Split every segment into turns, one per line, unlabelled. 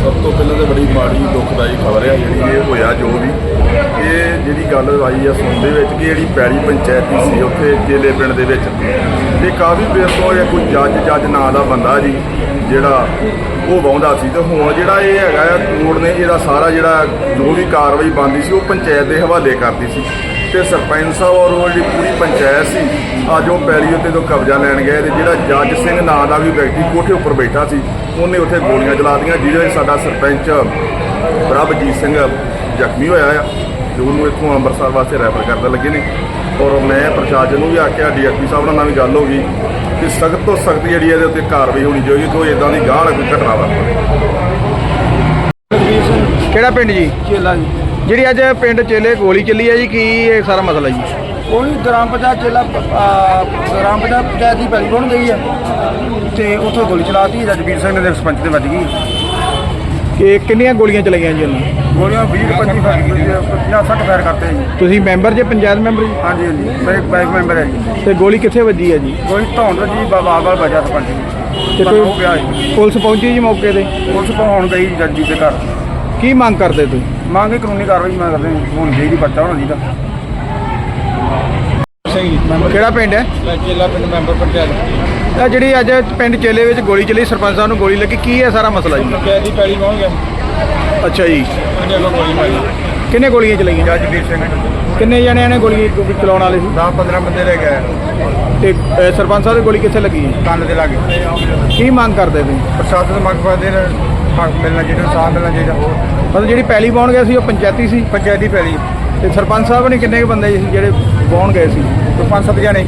सब तो पहले तो बड़ी माड़ी दुखदाई खबर है जी होया जो भी ये जी गल आई है सुनते कि जी पैड़ी पंचायती सी उत्थे चेले पिंड दे विच ते काफ़ी देर तो कोई जज नां दा बंदा जी जिहड़ा वो वाहुंदा सी ते हुण जिहड़ा ये हैगा कोर्ट ने इहदा सारा जिहड़ा जो भी कार्रवाई बनदी सी वो पंचायत के हवाले करती सी ते सरपंच साहब और वो जी पूरी पंचायत सी अज वो पैड़ी उत्ते तो कब्जा लैन गए ते जिहड़ा जज सिंह नां दा भी व्यक्ति कोठे उपर बैठा सी उन्हें उत्थे गोलियां चला दियां जिहदे साडा सरपंच प्रभजीत सिंह जख्मी होया है जो उन्होंने इतों अंमृतसर वास्ते रैफर करते लगे ने और मैं प्रशासन को भी आख्या DSP साहब नाल भी गल होगी कि सख्त तो सख्त जी ये कार्रवाई होनी चाहिए कोई इदां दी गाह कोई घटना वापरे।
ਕਿਹੜਾ ਪਿੰਡ ਜੀ?
चेला जी
ਜਿਹੜੀ ਅੱਜ ਪਿੰਡ ਚੇਲੇ ਗੋਲੀ ਚੱਲੀ ਹੈ ਜੀ ਕੀ ਇਹ ਸਾਰਾ ਮਸਲਾ ਜੀ?
ਉਹੀ ਗ੍ਰਾਮ ਪੰਚਾਇਤ ਚੇਲਾ ਗ੍ਰਾਮ ਪੰਚਾਇਤ ਦੀ ਪੈਲੀ ਬਣ ਗਈ ਹੈ ਤੇ ਉੱਥੋਂ ਗੋਲੀ ਚਲਾਤੀ ਰਜਵੀਰ ਸਿੰਘ ਦੇ ਸਰਪੰਚ ਦੇ ਵੱਜ ਗਈ।
ਕਿ ਕਿੰਨੀਆਂ ਗੋਲੀਆਂ ਚਲਾਈਆਂ ਜੀ ਉਹਨੂੰ?
ਗੋਲੀਆਂ 20-25 ਫਾਇਰ ਕੀਤੀਆਂ 50-60 ਫਾਇਰ ਕਰਤੇ ਜੀ।
ਤੁਸੀਂ ਮੈਂਬਰ ਜੇ ਪੰਚਾਇਤ ਮੈਂਬਰ ਜੀ?
ਹਾਂਜੀ ਹਾਂਜੀ ਮੈਂ ਇੱਕ ਬਾਈਕ ਮੈਂਬਰ ਹੈ ਜੀ।
ਤੇ ਗੋਲੀ ਕਿੱਥੇ ਵੱਜੀ ਹੈ ਜੀ?
ਗੋਲੀ ਧੌਣ ਜੀ ਬਾਬਾ ਬਜਾ ਸਰਪੰਚ ਜੀ
ਤੇ
ਤੇ ਹੋ ਗਿਆ ਜੀ।
ਪੁਲਿਸ ਪਹੁੰਚੀ ਜੀ ਮੌਕੇ ਤੇ?
ਪੁਲਿਸ ਪਹੁੰਚ ਗਈ ਜੱਜ ਜੀ ਦੇ ਘਰ।
ਕੀ ਮੰਗ ਕਰਦੇ ਤੁਸੀਂ?
ਮੰਗੇ ਕਾਨੂੰਨੀ ਕਾਰਵਾਈ ਮੈਂ ਕਰਦੇ ਹੋਣੀ ਚਾਹੀਦੀ ਪਰਚਾ ਹੋਣਾ ਚਾਹੀਦਾ।
ਕਿਹੜਾ ਪਿੰਡ ਹੈ?
ਚੇਲਾ ਪਿੰਡ ਮੈਂਬਰ ਪੰਚਾਇਤ।
ਇਹ ਜਿਹੜੀ ਅੱਜ ਪਿੰਡ ਚੇਲੇ ਵਿੱਚ ਗੋਲੀ ਚੱਲੀ ਸਰਪੰਚ ਸਾਹਿਬ ਨੂੰ ਗੋਲੀ ਲੱਗੀ ਕੀ ਹੈ ਸਾਰਾ ਮਸਲਾ ਜੀ?
ਪੰਚਾਇਤ ਦੀ ਪੈਲੀ ਪਹੁੰਚ ਗਿਆ।
ਅੱਛਾ ਜੀ
ਉਹਨੇ ਅੱਗੋਂ ਗੋਲੀ ਮਾਰੀ।
ਕਿੰਨੇ ਗੋਲੀਆਂ ਚਲਾਈਆਂ?
ਜੱਜਵੀਰ ਸਿੰਘ।
ਕਿੰਨੇ ਜਣਿਆਂ ਨੇ ਗੋਲੀ ਚਲਾਉਣ ਵਾਲੇ ਸੀ?
10-15 ਬੰਦੇ ਲੈ ਗਏ
ਤੇ ਸਰਪੰਚ ਸਾਹਿਬ ਦੀ ਗੋਲੀ ਕਿੱਥੇ ਲੱਗੀ?
ਕੰਨ ਦੇ ਲਾਗੇ।
ਕੀ ਮੰਗ ਕਰਦੇ ਤੁਸੀਂ?
ਪ੍ਰਸ਼ਾਸਨ ਮੰਗ ਕਰਦੇ ਨੇ ਹੱਕ ਮਿਲਣਾ ਚਾਹੀਦਾ, ਸਾਥ ਮਿਲਣਾ ਚਾਹੀਦਾ।
ਮਤਲਬ ਜਿਹੜੀ ਪੈਲੀ ਪਾਉਣ ਗਏ ਸੀ ਉਹ ਪੰਚਾਇਤੀ ਸੀ?
ਪੰਚਾਇਤੀ ਪੈਲੀ।
ਤੇ ਸਰਪੰਚ ਸਾਹਿਬ ਨੇ ਕਿੰਨੇ ਕੁ ਬੰਦੇ ਸੀ ਜਿਹੜੇ ਪਾਉਣ ਗਏ ਸੀ?
5-7 ਜਣੇ।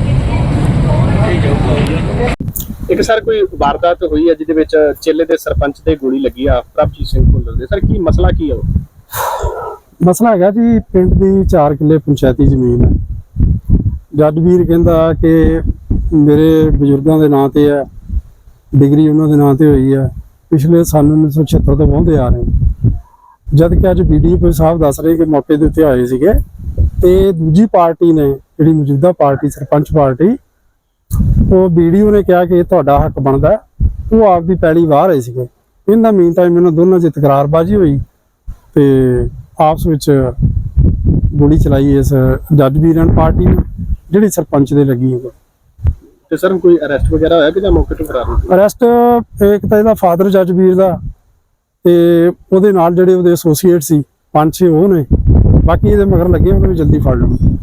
ਇੱਕ ਸਰ ਕੋਈ ਵਾਰਦਾਤ ਹੋਈ ਹੈ ਜਿਹਦੇ ਵਿੱਚ ਚੇਲੇ ਦੇ ਸਰਪੰਚ ਦੇ ਗੋਲੀ ਲੱਗੀ ਆ ਪ੍ਰਭਜੀਤ ਸਿੰਘ ਭੁੱਲਰ ਦੇ। ਸਰ ਕੀ ਮਸਲਾ ਕੀ ਹੈ ਉਹ?
ਮਸਲਾ ਹੈਗਾ ਜੀ ਪਿੰਡ ਦੀ 4 ਕਿੱਲੇ ਪੰਚਾਇਤੀ ਜ਼ਮੀਨ ਹੈ। ਜੱਜ ਵੀਰ ਕਹਿੰਦਾ ਕਿ ਮੇਰੇ ਬਜ਼ੁਰਗਾਂ ਦੇ ਨਾਂ ਤੇ ਹੈ, ਡਿਗਰੀ ਉਹਨਾਂ ਦੇ ਨਾਂ ਤੇ ਹੋਈ ਹੈ, ਪਿਛਲੇ ਸਾਲ 1976 ਤੋਂ ਵਾਹੁੰਦੇ ਆ ਰਹੇ। ਜਦ ਕਿ ਅੱਜ BDO ਸਾਹਿਬ ਦੱਸ ਰਹੇ ਕਿ ਮੌਕੇ ਦੇ ਉੱਤੇ ਆਏ ਸੀਗੇ ਤੇ ਦੂਜੀ ਪਾਰਟੀ ਨੇ ਜਿਹੜੀ ਮੌਜੂਦਾ ਪਾਰਟੀ ਸਰਪੰਚ ਪਾਰਟੀ ਉਹ BDO ਨੇ ਕਿਹਾ ਕਿ ਤੁਹਾਡਾ ਹੱਕ ਬਣਦਾ, ਉਹ ਆਪਦੀ ਪੈਲੀ ਵਾਹ ਰਹੇ ਸੀਗੇ। ਇਹਨਾਂ ਮੀਨ ਟਾਈਮ ਇਹਨਾਂ ਦੋਨਾਂ 'ਚ ਤਕਰਾਰਬਾਜ਼ੀ ਹੋਈ ਤੇ ਆਪਸ ਵਿੱਚ ਗੋਲੀ ਚਲਾਈ ਇਸ ਜੱਜ ਵੀਰਾਂ ਪਾਰਟੀ ਨੇ ਜਿਹੜੀ ਸਰਪੰਚ ਦੇ ਲੱਗੀ ਹੈ।
ਤੇ ਸਰ ਕੋਈ ਅਰੈਸਟ ਵਗੈਰਾ ਹੋਇਆ ਕਿ ਜਾਂ ਮੌਕੇ ਤੋਂ ਫਰਾਰ ਹੋ?
ਅਰੈਸਟ ਇੱਕ ਤਾਂ ਇਹਦਾ ਫਾਦਰ ਜੱਜ ਵੀਰ ਦਾ ਤੇ ਉਹਦੇ ਨਾਲ ਜਿਹੜੇ ਉਹਦੇ ਐਸੋਸੀਏਟ ਸੀ 5-6 ਉਹ ਨੇ, ਬਾਕੀ ਇਹਦੇ ਮਗਰ ਲੱਗੇ ਉਹਨੂੰ ਵੀ ਜਲਦੀ ਫੜ ਲਓ।